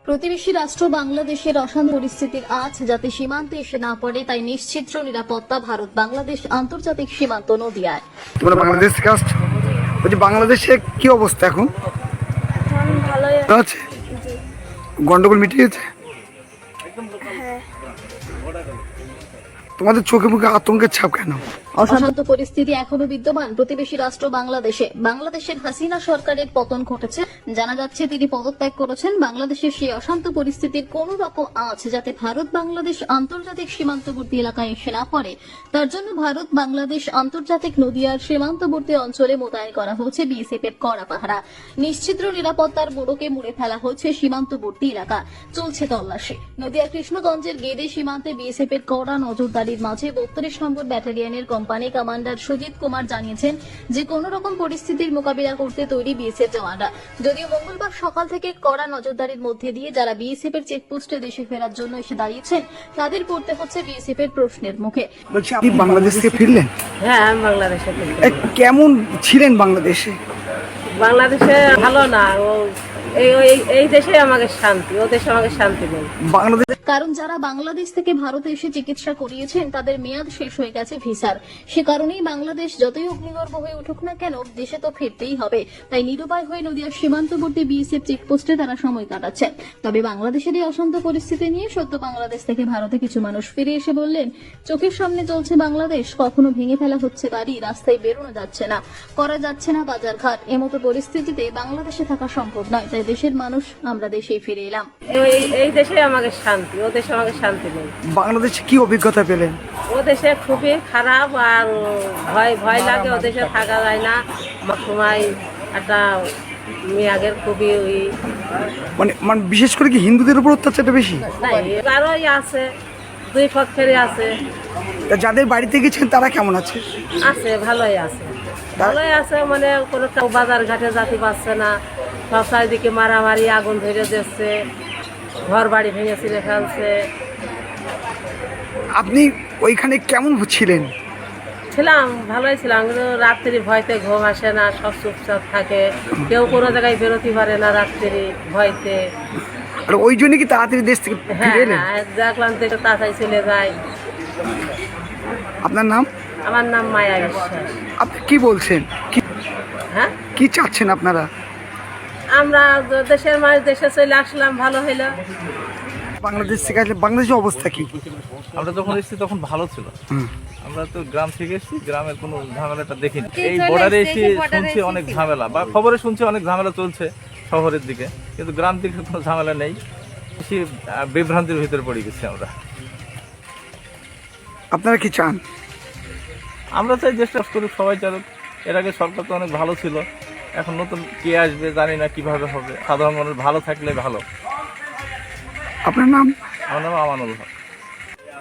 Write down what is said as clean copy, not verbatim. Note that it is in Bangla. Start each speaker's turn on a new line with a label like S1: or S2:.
S1: প্রতিবেশী রাষ্ট্র বাংলাদেশের অশান্ত পরিস্থিতির আঁচ যাতে সীমান্তে এসে না পড়ে তাই নিশ্চিদ্র নিরাপত্তা ভারত বাংলাদেশ আন্তর্জাতিক সীমান্ত নদিয়ায়।
S2: তোমরা বাংলাদেশ থেকে আসছো? বলছি বাংলাদেশে কি অবস্থা এখন?
S3: ভালোই
S2: আছে গন্ডগোল মিটিয়েছে?
S3: হ্যাঁ।
S2: তোমাদের চোখে মুখে আতঙ্কের ছাপ কেন?
S1: অশান্ত পরিস্থিতি এখনো বিদ্যমান প্রতিবেশী রাষ্ট্র বাংলাদেশে। বাংলাদেশের হাসিনা সরকারের পতন ঘটেছে, জানা যাচ্ছে তিনি পদত্যাগ করেছেন। বাংলাদেশের সেই অশান্ত পরিস্থিতির কোন রকম আঁচ যাতে ভারত বাংলাদেশ আন্তর্জাতিক সীমান্তবর্তী এলাকায় এসে না পড়ে, তার জন্য ভারত বাংলাদেশ আন্তর্জাতিক নদিয়ার সীমান্তবর্তী অঞ্চলে মোতায়েন করা হচ্ছে বিএসএফ এর কড়া পাহারা। নিশ্চিদ্র নিরাপত্তার মোড়কে মুড়ে ফেলা হচ্ছে সীমান্তবর্তী এলাকা, চলছে তল্লাশি। নদিয়া কৃষ্ণগঞ্জের গেদে সীমান্তে বিএসএফ এর কড়া নজরদারির মাঝে 32 নম্বর ব্যাটালিয়নের কোম্পানি কমান্ডার সুজিত কুমার জানিয়েছেন যে কোন রকম পরিস্থিতির মোকাবিলা করতে তৈরি বিএসএফ জওয়ানরা। যদিও মঙ্গলবার সকাল থেকে কড়া নজরদারির মধ্যে দিয়ে যারা বিএসএফ এর চেকপোস্টে দেশে ফেরার জন্য এসে দাঁড়িয়েছেন তাদের পড়তে হচ্ছে বিএসএফ এর প্রশ্নের মুখে।
S2: বলছি আপনি বাংলাদেশ থেকে ফিরলেন?
S4: হ্যাঁ, আমি বাংলাদেশে থাকি।
S2: কেমন ছিলেন বাংলাদেশে?
S4: বাংলাদেশে ভালো না, এই দেশে আমাকে শান্তি, ও দেশে আমাকে শান্তি নেই।
S2: বাংলাদেশ
S1: কারণ যারা বাংলাদেশ থেকে ভারতে এসে চিকিৎসা করিয়েছেন তাদের মেয়াদ শেষ হয়ে গেছে ভিসার। সে কারণেই বাংলাদেশ যতই অগ্নিগর্ভ হয়ে উঠুক না কেন দেশে তো ফিরতেই হবে। তাই নিরুপায় হয়ে নদিয়ার সীমান্তবর্তী বিএসএফ চেকপোস্টে তারা সময় কাটাচ্ছেন। তবে বাংলাদেশের এই অশান্ত পরিস্থিতি নিয়ে সদ্য বাংলাদেশ থেকে ভারতে কিছু মানুষ ফিরে এসে বললেন, চোখের সামনে চলছে বাংলাদেশ, কখনো ভেঙে ফেলা হচ্ছে গাড়ি, রাস্তায় বেরোনো যাচ্ছে না, করা যাচ্ছে না বাজারঘাট। এমতো পরিস্থিতিতে বাংলাদেশে থাকা সম্ভব নয়, তাই দেশের মানুষ আমরা দেশেই ফিরে এলাম।
S4: এই দেশে আমাকে শান্তি, ও দেশে আমাকে শান্তি নেই।
S2: বাংলাদেশে কি অভিজ্ঞতা পেলেন?
S4: ও দেশে খুবই খারাপ, আর ভয় ভয় লাগে, ও দেশে থাকা যায় না। আমার সময় একটা মেয়াগের খুবই
S2: মানে বিশেষ করে কি হিন্দুদের উপর অত্যাচারটা বেশি?
S4: আরোই আছে, দুই পক্ষেরই আছে।
S2: তা যাদের বাড়িতে গেছেন তারা কেমন আছে?
S4: আছে, ভালোই আছে, ভালোই আছে। মানে কোনো বাজার ঘাটে যেতে পারছে না, সব চারিদিকে মারামারি, আগুন ধরে দিচ্ছে, ঘর বাড়ি ভেঙে ছিঁড়ে ফেলছে।
S2: আপনি ওইখানে কেমন ছিলেন?
S4: ছিলাম, ভালোই ছিলাম, কিন্তু রাত্রি ভয়তে ঘুম আসে না, সব চুপচাপ থাকে, কেউ কোনো জায়গায় বেরোতে পারে না রাত্রি ভয়তে।
S2: আর ওই জন্য কি তাড়াতাড়ি দেশ থেকে
S4: হ্যাঁ
S2: ফিরে এলেন?
S4: হ্যাঁ, দেখলাম তো এটা তাড়াতাড়ি চলে যায়।
S2: আপনার নাম?
S4: আমার নাম মায়া বিশ্বাস।
S2: আপনি কি বলছেন?
S4: হ্যাঁ,
S2: কি চাচ্ছেন আপনারা?
S4: আমরা দেশের মানুষ দেশে চলে আসলাম, ভালো হইলো।
S2: বাংলাদেশ থেকে আসলে বাংলাদেশের অবস্থা কি?
S5: আমরা যখন এসেছি তখন ভালো ছিল। আমরা তো গ্রাম থেকে এসেছি, গ্রামের কোনো ঝামেলাটা দেখিনি। এই বর্ডারে এসে শুনছি অনেক ঝামেলা, বা খবরে শুনছি অনেক ঝামেলা চলছে শহরের দিকে, কিন্তু গ্রাম দিকে কোনো ঝামেলা নেই। বেশি বিভ্রান্তির ভিতরে পড়ে গেছি আমরা।
S2: আপনারা কি চান?
S5: আমরা চাই চেষ্টা করুক, সবাই চালুক। এর আগে সরকার তো অনেক ভালো ছিল, এখন নতুন কে আসবে জানি না, কিভাবে হবে। সাধারণ মানুষ ভালো থাকলে ভালো।
S2: আপনার নাম?
S5: আমার নাম আমানুল হক।